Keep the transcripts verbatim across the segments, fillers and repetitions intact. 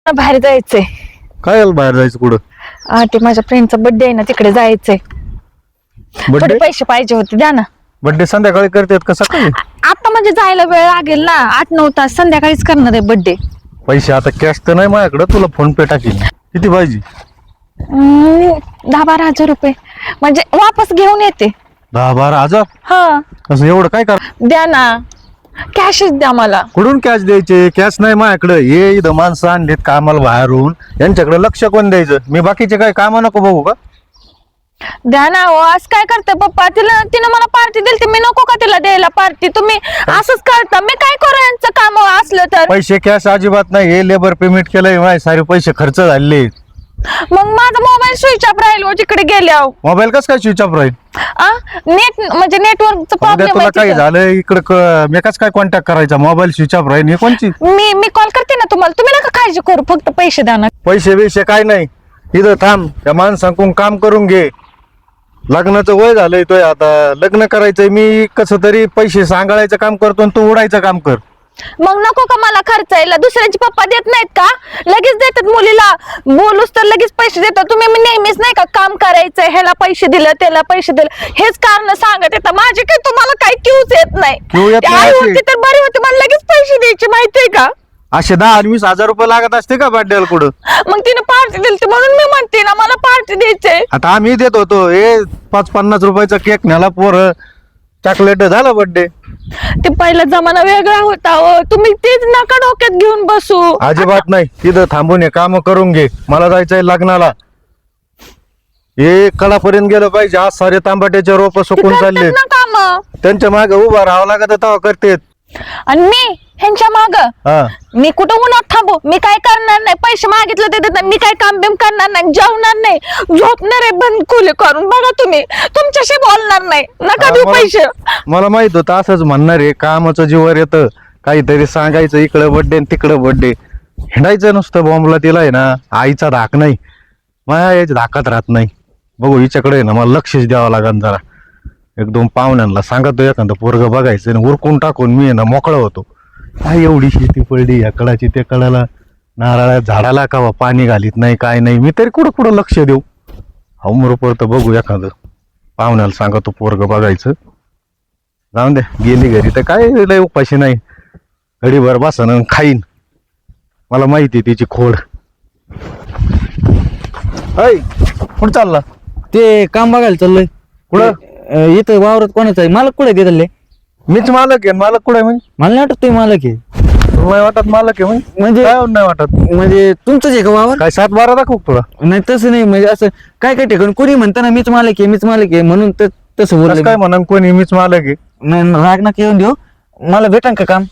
बाहेर जायचंय. काय आलं बाहेर जायचं कुठं? हा ते माझ्या फ्रेंडचा बर्थडे आहे ना, तिकडे जायचंय. थोडे बर्थडे पैसे पाहिजे होते, द्या ना. बर्थडे संध्याकाळी करतात का सकाळी? आता म्हणजे जायला वेळ लागेल ना, आठ नऊ तास संध्याकाळीच करणार आहे बर्थडे. पैसे आता कॅश तर नाही माझ्याकडे, तुला फोन पे टाकील. किती पाहिजे? दहा बारा हजार रुपये म्हणजे वापस घेऊन येते. दहा बारा हजार? हा असं एवढं काय कर? द्या ना, कॅशच द्या मला. कुठून कॅश द्यायचे? कॅश नाही माझ्याकडे. हे इथं माणसं आणलीत कामाला बाहेरून, यांच्याकडे लक्ष कोण द्यायचं? मी बाकीचे काय काम नको बघू का? द्या ना. हो असं काय करता पप्पा? तिला तिने मला पार्टी दिली, मी नको का तिला द्यायला पार्टी? तुम्ही असंच करता. मी काय करू यांचं काम असलं तर? पैसे कॅश अजिबात नाही. हे लेबर पेमेंट केलंय, माझे सारे पैसे खर्च झाले. मग माझा मोबाईल स्विच ऑफ राहील हो तिकडे गेल्यावर. मोबाईल कसं काय स्विच ऑफ राहील? नेट म्हणजे नेटवर्कचा प्रॉब्लेम तुला काय आहे. झालं इकडं? मी कसं काय कॉन्टॅक्ट करायचा? मोबाईल स्विच ऑफ राहील? हे कोणची? मी मी कॉल करते ना तुम्हाला, तुम्ही नका काळजी करू, फक्त पैसे द्या ना. पैसे बिशे काय नाही. इथं थांब, त्या माणसांकडून काम करून घे. लग्नाचं वय झालंय तोय, आता लग्न करायचंय. मी कसं तरी पैसे सांगायचं काम करतो आणि तू उडायचं काम कर. मग नको का मला खर्चायला? दुसऱ्यांचे पप्पा देत नाहीत का? लगेच देतात मुलीला बोलूस तर लगेच पैसे देतात. तुम्ही नेहमीच नाही का काम करायचंय, ह्याला पैसे दिलं त्याला पैसे दिलं हेच कारण सांगत येतात. माझे काही तुम्हाला काही क्यूच येत नाही. क्यू येत ती नाही आई अशी. होती तर बरी होती, मला लगेच पैसे द्यायचे माहितीये का? असे दहा आणि वीस हजार रुपये लागत असते का बर्थडेला कुठं? मग तिने पार्टी दिली म्हणून मी म्हणते ना, मला पार्टी द्यायचे. आता आम्ही देत होतो. हे पाच पन्नास रुपयाचा केक न्याला, पोर चॉकलेट झाला बर्थडे. ते पहिला जमाना वेगळा होता हो. तुम्ही तेच नका डोक्यात घेऊन बसू. अजिबात नाही. तिथं थांबून हे काम करून घे. मला जायचंय लग्नाला. हे कडापर्यंत गेलं पाहिजे. आज सारे तांबाट्याचे रोप सुकून चालले. काम त्यांच्या मागे उभा राहावं लागत, तेव्हा करतेत. आणि मी ह्यांच्या माग हा मी कुठं उन्हात थांबू? मी काय करणार नाही. पैसे मागितले ते देतात. मी काय काम बिम करणार नाही, जेवणार नाही, झोपणार आहे बंद खोली करून. बघा तुम्ही, तुमच्याशी बोलणार नाही. नका देऊ मला- पैसे. मला माहित होतं असंच म्हणणार आहे. कामाचं जीवर येतं, काहीतरी सांगायचं, इकडं बर्थडे तिकडं बर्थडे, हिंडायचं नुसतं बॉम्बला. तिला आहे ना आईचा धाक नाही, माझ्या याच्या धाकात राहत नाही. बघू हिच्याकडे आहे ना मला लक्षच द्यावं लागेल जरा. एक दोन पाहुण्यांना सांगतो एखादं पोरग बघायचं आणि उरकून टाकून मी आहे ना मोकळा होतो. काय एवढी शेती पडली या कडाची त्या कडाला, नारळा झाडाला का पाणी घालीत नाही, काय नाही. मी तरी कुठं कुठं लक्ष देऊ? हमरोपर तर बघू एखादं पाहुण्याला सांगतो पोरग बघायचं. जाऊन दे, गेली घरी तर काय लय उपाशी नाही. घडीभर बसन खाईन. मला माहिती तिची खोड. ऐ कुठं चालला? ते काम बघायला चाललोय. कुठं? अ, इथं वावरात कोणाचं आहे? मालक कुठे चालले? मीच मालक आहे. मालक कुठं आहे म्हणजे? मला नाही वाटत तुम्ही मालक आहे. तुला नाही वाटत मालक आहे म्हणजे? म्हणजे काय नाही वाटत? म्हणजे तुमचंच आहे का वावर? काय सात बारा दाखव तुला? नाही तसं नाही, म्हणजे असं काय काय ठिकाणी कोणी म्हणताना मीच मालक आहे मीच मालक आहे म्हणून तर तसं कसं बोललं काय मी. म्हणा कोणी मीच मालक आहे? नाही राग नका येऊन देऊ. मला भेटा का काम?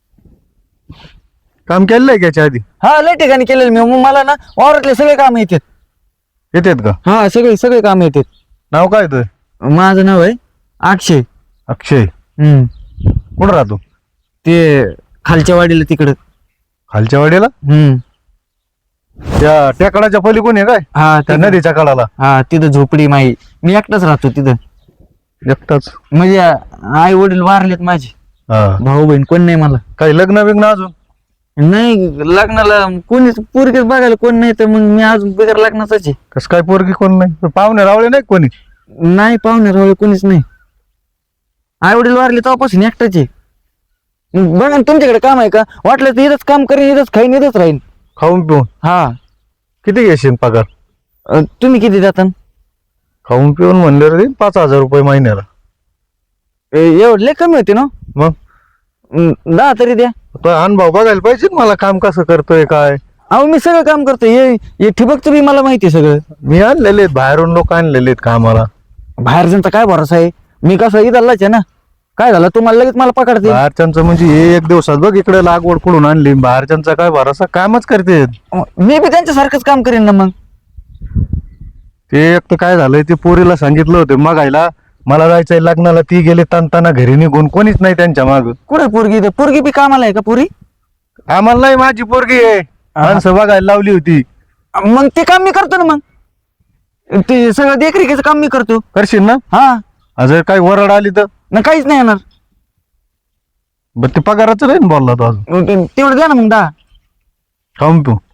काम केलेलं आहे का याच्या आधी? हा लय ठिकाणी केलेलं मी. मग मला ना वावरातले सगळे काम येतात. येतात का? हा सगळे सगळे काम येतात. नाव काय तुझं? माझं नाव आहे अक्षय. अक्षय. हम्म कुठं राहतो? ते खालच्या वाडीला तिकडं. खालच्या वाडीला? हम्म त्या टेकडाच्या पलीकडून आहे काय? हा त्या तिकडं. नदीच्या कडाला? हा तिथं झोपडी माई. मी एकटाच राहतो तिथं. एकटाच? म्हणजे आई वडील वारलेत माझे. हा. भाऊ बहीण कोण नाही मला. काही लग्न बिग्न अजून? नाही लग्नाला कोणीच पोरगीच बघायला कोण नाही, तर मग मी अजून बिगर लग्नाचाच आहे. कसं काय पोरगी कोण नाही? पाहुणे रावळे नाही कोणी? नाही पाहुणे रावळे कोणीच नाही. आई वडील वारले तेव्हापासून एकटाच आहे. मग बघा ना तुमच्याकडे काम आहे का? वाटलं तर इथंच काम करेन, इथंच खाईन, इथंच राहीन. खाऊन पिऊन? हा किती घेशील पगार? अ, तुम्ही किती जाता? खाऊन पिऊन म्हणलं रे पाच हजार रुपये महिन्याला. एवढं लय कमी होते ना. मग अं, दहा तरी द्या. तो अनुभव बघायला पाहिजे ना मला, काम कसं करतोय काय. अहो मी सगळं काम करतो. हे हे ठिबकचं बी मला माहिती आहे सगळं. मी आणलेले आहेत बाहेरून लोक आणलेले आहेत कामाला. बाहेरच्यांचा काय भरोसा आहे? मी कसं इथलाच आहे ना. काय झालं तुम्हाला लगेच मला पकडते. बाहेरच्यांचं म्हणजे हे एक दिवसात बघ इकडे लागवड कुठून आणली. बाहेरच्यांचा काय भरोसा, कामच करते. मी बी त्यांच्यासारखंच काम करेन ना मग. ते एक तर काय झालंय, ते पोरीला सांगितलं होतं मागायला मला जायचंय लग्नाला, ती गेले ताणताना घरी निघून, कोणीच नाही त्यांच्या माग. कुठे पोरगी? इथं पोरगी बी कामाला आहे का पुरी? आम्हाला नाही, माझी पोरगी आहे. माणसं बघायला लावली होती. मग ते काम मी करतो ना. मग ते सगळं देखरेखीचं काम मी करतो. करशील ना? हा जर काही वरड आली तर ना काहीच नाही येणार. बर ते पगाराचं नाही ना बोलला तो अजून. मग ते- तेवढं द्या ना मग दहा. खाऊन तू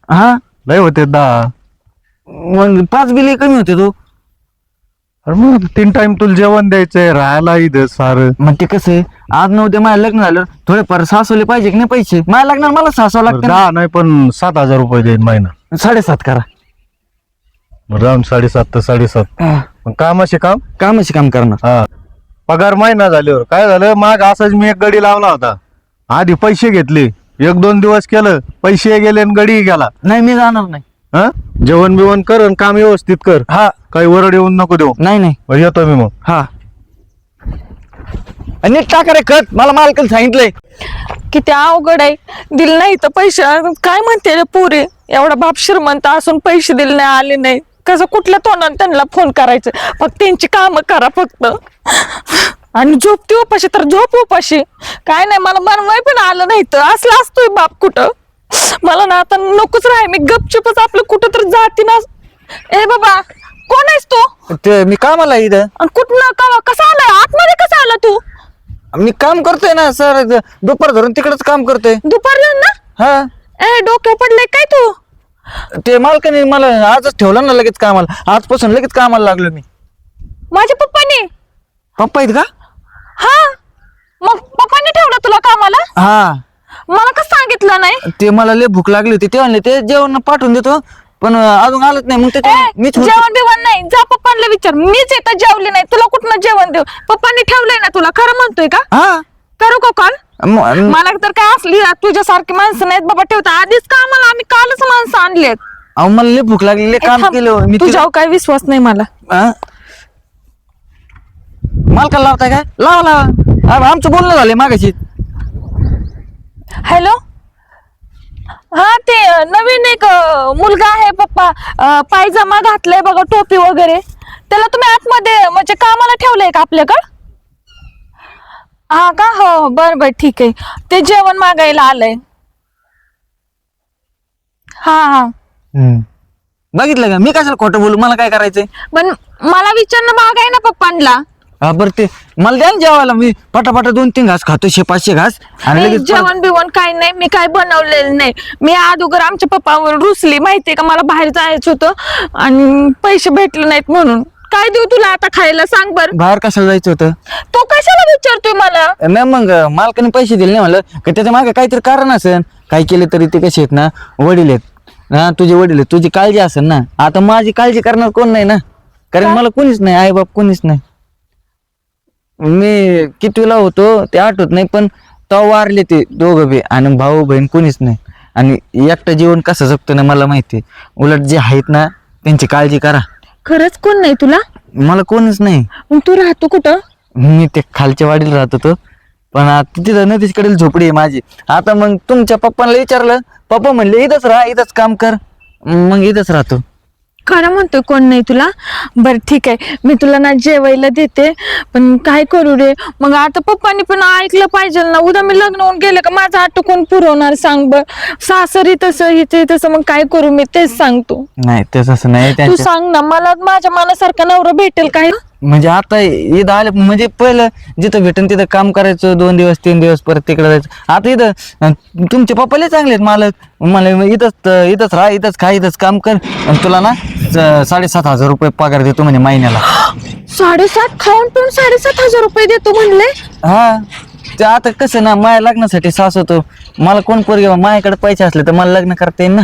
हा लय होते दहा. मग पाच बिल कमी होते तो. अरे मग तीन टाइम तुला जेवण द्यायचंय, राहायला इथं सारं. मग ते कसं आहे, आज नऊ उद्या माझं लग्न झालं थोडेफार सासवले पाहिजे की नाही पैसे. माझ्या लग्नाला मला सासव लागतं ना. दहा नाही पण सात हजार रुपये देईन महिना. साडेसात करा. मग राऊंड साडेसात तर साडेसात. हा, मग कामाचे काम. कामाचे काम करणार. हा पगार महिना झाल्यावर काय झालं, माग असंच मी एक गडी लावला होता. आधी पैसे घेतले, एक दोन दिवस केलं, पैसे गेले आणि गडी गेला. नाही मी जाणार नाही. हा जेवण बिवण कर आणि काम व्यवस्थित कर. हा काही वरड येऊन नको देऊ. नाही नाही. मग येतो मी मग. हा आणि नीट टाका रे खत, मला मालकाला सांगितलंय. किती अवघड आहे. दिले नाही तर पैसे काय म्हणते रे पुरे, एवढा बाप श्रीमंत असून पैसे दिले नाही, आले नाही. कसं कुठल्या तोंडाने त्यांना फोन करायचं. फक्त त्यांची कामं करा फक्त. आणि झोपती उपाशी तर झोप उपाशी. काय नाही मला बनवाय पण आलं नाही तर असला असतोय बाप कुठं. मला ना आता नकोच राहाय, मी गपचूपच आपलं कुठं तर जाते ना. ए बाबा कोण आहेस तू? ते मी कामाला आहे इथं. आणि कुठं का कसा आलाय आतमध्ये, कसा आला तू? मी काम करतोय ना सर, दुपार धरून तिकडच काम करतोय. दुपारला ना? हा ए डोक्यावर पडले काय तू? ते मालकाने मला आजच ठेवलं ना लगेच कामाला. आजपासून लगेच कामाला लागलो मी. माझ्या पप्पाने? पप्पा आहेत का? हा मग पप्पाने ठेवलं तुला कामाला? हा मला कसं सांगितलं नाही? ते मला लय भूक लागली होती, ते म्हणले ते जेवण पाठवून देतो पण अजून आलंच नाही. मग ए, ते मीच होतो. जेवण बिवण नाही, जा पप्पांना विचार. मीच येतं जेवली नाही, तुला कुठनं जेवण देऊ? पप्पांनी ठेवलंय ना तुला, खरं म्हणतोय का? हा करू का कॉल? म- मला तर काय असली तुझ्यासारखी माणसं नाहीत बाबा ठेवता. आधीच कामाला आम्ही कालच माणसं आणलेत. अहो मला लय भूक लागली, लय ए, काम थांब. केलं मी. तुझ्यावर काय विश्वास नाही मला. हा? मालकाला लावताय काय? लावा लावा. आ- आमचं बोलणं झालंय मागाशी. हॅलो, हा ते अं, नवीन एक अं, मुलगा आहे पप्पा, अं, पायजमा घातलाय बघा, टोपी वगैरे. त्याला तुम्ही आतमध्ये म्हणजे कामाला ठेवलंय का आपल्याकडं? हा का? हो बर बर ठीक आहे. ते जेवण मागायला आलंय. हा हा हम्म. बघितलं का मी कशाला खोटं बोलू, मला काय करायचंय. पण मला विचारणं भाग आहे ना पप्पांना. हा बरं ते मला द्या ना जेवायला, मी पटापटा दोन तीन घास खातो, शे पाचशे घास. आणि ए, लगेच जेवण बिवण काही नाही, मी काय बनवलेलं नाही. मी अगोदर आमच्या पप्पावर रुसली माहितीये का, मला बाहेर जायचं होतं आणि पैसे भेटले नाहीत म्हणून. काय देऊ तुला आता खायला सांग बर? बाहेर कशाला जायचं होतं? तू कशाला विचारतोय मला? नाही मग मालकाने पैसे दिले नाही म्हणलं का त्याच्या मागे काहीतरी कारण असेल. काय केले तरी ते कसे आहेत ना, वडील आहेत ना, तुझे वडील आहेत, तुझी काळजी असेल ना. आता माझी काळजी करणार कोण नाही ना, कारण का? मला कोणीच नाही, आई बाप कोणीच नाही. मी कितवीला होतो ते आठवत नाही, पण तेव्हा वारले ते दोघं बी, आणि भाऊ बहीण कोणीच नाही. आणि एकटं जीवन कसं जगतो ना मला माहिती. उलट जे आहेत ना त्यांची काळजी करा. खरंच कोण नाही तुला? मला कोणीच नाही. मग तू राहतो कुठं? मी ते खालच्या वाडीला राहत होतो, पण आता तिथं नदीकडील झोपडी आहे माझी. आता मग तुमच्या पप्पांना विचारलं, पप्पा म्हणले इथंच राहा, इथंच काम कर. मग इथंच राहतो. खरं म्हणतोय कोण नाही तुला? बर ठीक आहे, मी तुला ना जेवायला देते, पण काय करू रे मग आता? पप्पांनी पण ऐकलं पाहिजे ना. उद्या मी लग्न होऊन गेले का माझं आटो कोण पुरवणार सांग बर? सासरी तसं हिचे तसं, मग काय करू मी तेच सांगतो. नाही तेच असं नाही तू त्यांच्या, सांग ना मला, माझ्या मनासारखा नवरा भेटेल काय? म्हणजे आता इथं आले म्हणजे पहिलं जिथं भेटन तिथं काम करायचं दोन दिवस तीन दिवस, परत तिकडे जायचं. आता इथं अं, तुमचे पप्पाले चांगले आहेत मालक. मला इथंच इथंच राहा, इथंच खा, इथंच काम कर, आणि तुला ना स- साडेसात हजार रुपये पगार देतो म्हणजे महिन्याला. साडेसात खाऊन पिऊन साडेसात हजार रुपये देतो म्हणले? हा ते आता कसं ना, माझ्या लग्नासाठी सास होतो, मला कोण पोरगे माझ्याकडे पैसे असले तर मला लग्न करता येईल ना.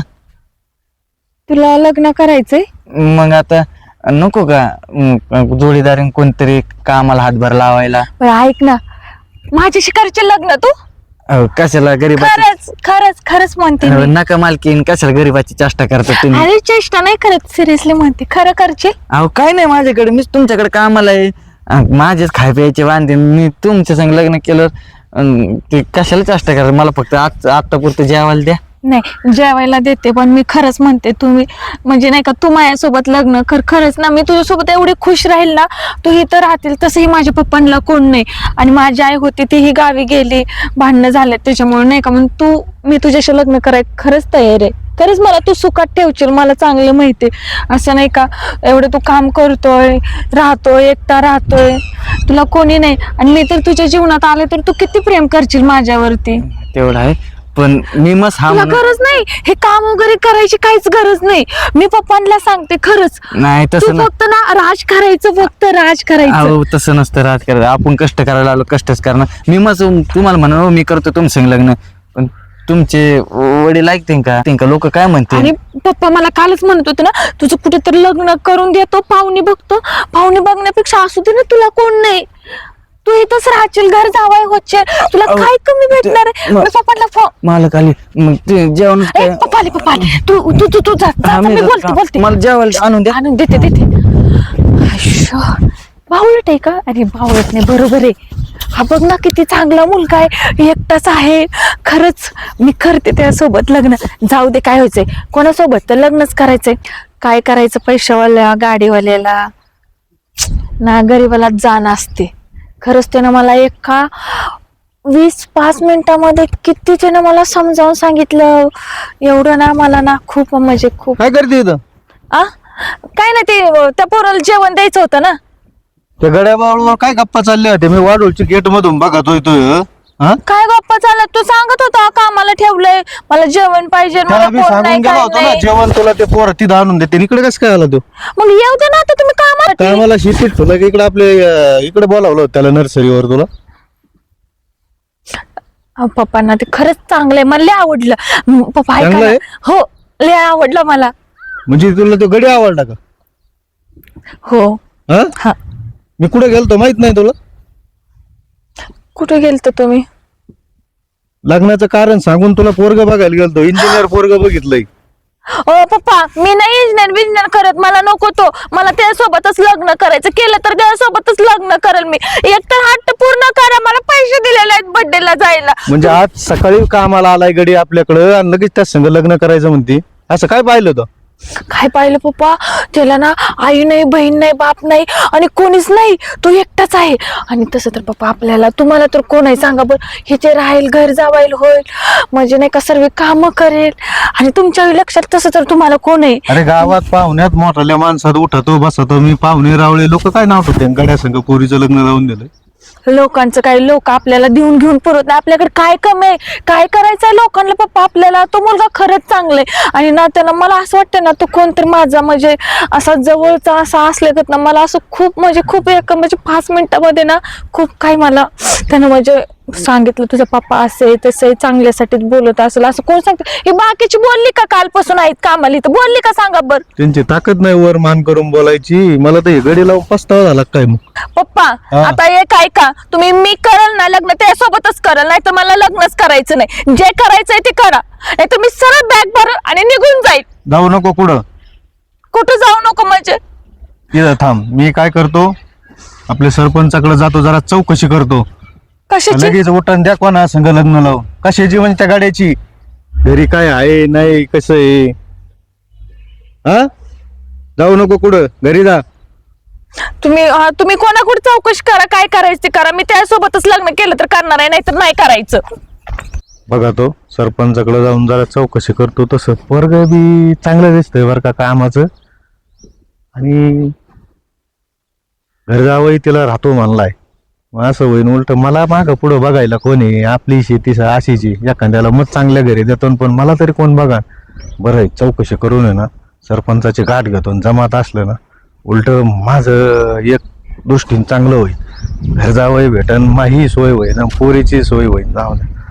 तुला लग्न करायचंय? मग आता नको का अं, जोडीदारीन कोणतरी कामाला हातभार लावायला. बरं ऐक ना, माझ्या शिकारचे लग्न तू? अहो, कशाला गरीबाची खरंच खरंच खरंच म्हणते मी. नका मालकीन, कशाला गरीबाची चेष्टा करता तुम्ही. अरे चेष्टा नाही करत, सिरियसली म्हणते. खरं करचे? अहो काय नाही माझ्याकडे, मीच तुमच्याकडे कामाला आहे. अं, माझेच खाय प्यायचे वांदे, मी तुमच्या संग लग्न केलं. अं, ते कशाला चेष्टा करा, मला फक्त आज आत्ता पुरतं जेवायला द्या. नाही जेवायला देते, पण मी खरंच म्हणते तुम्ही म्हणजे नाही का, तू माझ्यासोबत लग्न कर. खरंच ना, मी तुझ्यासोबत एवढी खुश राहील ना, तू इथं राहतील. तसंही माझ्या पप्पांना कोण नाही, आणि माझी आई होती तीही गावी गेली, भांडणं झाले त्याच्यामुळे नाही का. मग तू, मी तुझ्याशी लग्न करायला खरंच तयार आहे. खरंच मला तू सुखात ठेवशील, मला चांगलं माहिती. असं नाही का एवढं तू काम करतोय, राहतोय, एकटा राहतोय, तुला कोणी नाही, आणि मी तर तुझ्या जीवनात आले तर तू किती प्रेम करशील माझ्यावरती. तेवढं आहे, पण मी मस्त हा तुला म्हणून- गरज नाही हे काम वगैरे करायची काहीच गरज नाही. मी पप्पांना सांगते खरंच, नाही तू तसं ना फक्त ना राज करायचं, फक्त राज करायचं. अहो तसं नसतं राज करायचं. आपण कष्ट करायला आलो कष्टच करणार. मी मस्त तुम्हाला म्हणा मी करतो तुमचं लग्न, पण तुमचे वडील ऐकते का का लोक काय म्हणते? आणि पप्पा मला कालच म्हणत होते ना तुझं कुठेतरी लग्न करून देतो, पाहुणे बघतो. पाहुणे बघण्यापेक्षा असू दे ना, तुला कोण नाही, तू इथंच राहशील, घर जावाय होचे, तुला अहो, काय कमी भेटणार आहे? म- मी पप्पाला फोन मालक आली मग ते जेवण ए, पप्पा आले, पप्पा आले. तू तू तू तू जा, जा, हा, जा, मी मी जातो. बोलते बोलते मला जेवायला आणून द्या. आणून देते देते. आयुष्य, बावळट आहे का? अरे बावळट नाही, बरोबर आहे. हा बघ ना किती चांगला मुलगा आहे, एकटाच आहे. खरंच मी करते त्यासोबत लग्न. जाऊ दे, काय व्हायचंय, कोणासोबत तर लग्नच करायचंय. काय करायचं पैशावाल्या गाडीवाल्याला ना, गरीबाला जाण असते. खरंच त्यानं मला एका वीस पाच मिनिटामध्ये किती त्यानं मला समजावून सांगितलं. एवढं ना मला ना खूप म्हणजे खूप काय करते इथं? आ काय ना ते त्या पोराला जेवण द्यायचं होतं ना. त्या गड्याबावर काय गप्पा चालल्या होत्या? मी वाढवची गेट मधून बघतोय तो हा. काय गप्पा चालला? तू सांगत होता कामाला ठेवलंय, मला जेवण पाहिजे, मला त्याला मी कोण सांगून नाही, गेलो काय होतो ना नाही. जेवण तुला ते पोर तिथं आणून देते. इकडे कसं काय आला तो? मग येऊ दे ना, आता तुम्ही कामाला काय मला शेतीत तुला इकडे आपले अं, इकडे बोलावलं होतं त्याला नर्सरीवर तुला. अहो, पप्पांना ते खरंच चांगलंय, मला लय आवडलं. म, पप्पा ऐका चांगलं ना. आहे? हो, लय आवडलं मला. म्हणजे तुला तो गडी आवडला का? हो. हा हा, मी कुठे गेलतो माहित नाही तुला? कुठे गेलतो तुम्ही? लग्नाचं कारण सांगून तुला पोरग बघायला गेलतो. इंजिनियर पोरग बघितलंय. ओ पप्पा, मी नाही इंजिनियर बिजिनियर करत, मला नको तो. मला त्यासोबतच लग्न करायचं, केलं तर त्यासोबतच लग्न करेल मी. एक तर हट्ट पूर्ण करा, मला पैसे दिलेले आहेत बर्थडेला जायला. म्हणजे आज सकाळी कामाला आलाय गडी आपल्याकडं आणि लगेच त्या संग लग्न करायचं म्हणते. असं काय पाहिलं होतं? काय पाहिलं पप्पा? त्याला ना आई नाही, बहीण नाही, बाप नाही आणि कोणीच नाही, तो एकटाच आहे. आणि तसं तर पप्पा आपल्याला, तुम्हाला तर कोण आहे सांगा बरं? हिचे राहील, घर जावायला होईल, म्हणजे नाही का सर्व कामं करेल. आणि तुमच्या लक्षात तसं तर तुम्हाला कोण आहे? अरे गावात पाहुण्यात मोठ्या माणसात उठतो बसतो मी. पाहुणे रावळे लोक काय नाव ठेवते? गड्या संग पोरीचं लग्न लावून दिलंय. लोकांचं काही, लोक आपल्याला देऊन घेऊन पुरत नाही. आपल्याकडे काय कमी आहे, काय करायचंय लोकांना पप्पा आपल्याला? तो मुलगा खरंच चांगलाय. आणि ना त्याला मला असं वाटतं ना, तो कोणतरी माझा म्हणजे असा जवळचा असा असल्यागत ना, मला असं खूप म्हणजे खूप एक म्हणजे पाच मिनिटामध्ये ना खूप काही मला त्यानं म्हणजे सांगितलं, तुझा पप्पा असे तसे चांगल्यासाठीच बोलत असेल. असं कोण सांगतं? ही बाकीची बोलली का कालपासून आहेत कामाला इथं? बोलली का सांगा बर? त्यांची ताकद नाही वर मान करून बोलायची. मला तर हे गडी लावून पस्तावा झाला काय मग? पप्पा हा. आता एक ऐका, तुम्ही मी करल ना लग्न त्यासोबतच करल, नाही तर मला लग्नच करायचं नाही. जे करायचंय ते करा, नाही तर मी सरळ बॅग भरल आणि निघून जाईल. जाऊ नको कुठं. कुठं जाऊ नको म्हणजे? तिथं थांब. मी काय करतो, आपल्या सरपंचाकडे जातो, जरा चौकशी करतो. कशाची? लगेच उठान द्या कोणा संग लग्न लावून. कशाची म्हणजे त्या गाड्याची? घरी काय आहे नाही कसं आहे? हा जाऊ नको कुठं, घरी जा. तुम्ही अं, तुम्ही कोणाकडे चौकशी करा, काय करायचं ते करा. मी त्यासोबतच लग्न केलं तर करणार आहे, नाही तर नाही करायचं. बघा तो सरपंचाकडे जाऊन जरा चौकशी करतो. तसं वर्ग बी चांगलं दिसतंय बरं का कामाचं. आणि घर जावंही तिला राहतो म्हणलाय. मग असं होईन उलट मला मागं पुढं बघायला कोणी? आपली शेती अशीची, एखाद्याला मत चांगल्या घरी देतो पण मला तरी कोण बघा. बरं आहे, चौकशी करून आहे ना सरपंचाची गाठ घेतो. जमात असलं ना उलट माझं एक दृष्टीने चांगलं होईल. घर जावंही भेटन, माही सोय होईल, पोरीची सोय होईल. जाऊ दे.